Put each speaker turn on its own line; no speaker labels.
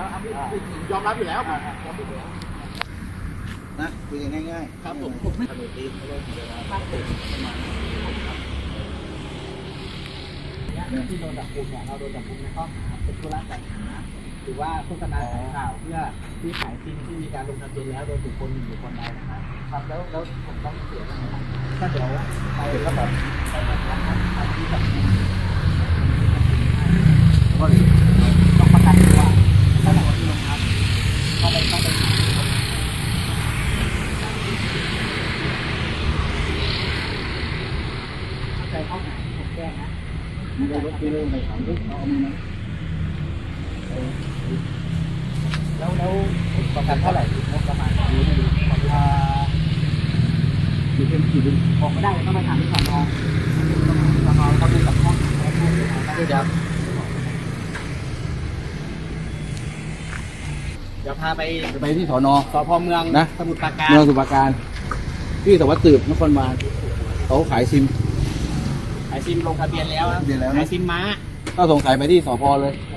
แล้วยอมรับอยู่แล้ว
นะคุยกันง่ายๆ
ครับผมไม่ที่โดนจับกุมเนี่ยเราโดนจับกุมในข้อหาเป็นธุระจัดหาหรือว่าโฆษณาขายข่าวเพื่อที่ขายซิมที่มีการลงทะเบียนแล้วโดยบุคคลหนึ่งบุคคลใดนะครับครับแล้วผมต้องเสียอะไรถ้าเดี๋ยวไปก็แบบไปทำที่แบบก็ต้องประกันตัวถ้าหลังวันที่ลงครับเข้าไปเข้าใจเข้าหาผมแก้นะ
ไม่ได้รถไปเรื่องไปถามลูกเอามือนะ
แล้วประกันเท่าไหร่งบประมาณอยู่เป็นกี่บินบอกไม่ได้ต้องไปถามที่สอนอเขาดูกับห้องเดี๋ยวพาไป
ที่สน.
สพเมืองนะสมุทรปราการ
เมืองสมุทรปราการที่สวัสดิ์สืบนครบาลเขาขายซิม
ลงทะเบียนแล้วขายซิมม้า
ก็ส่งขายไปที่สพเลย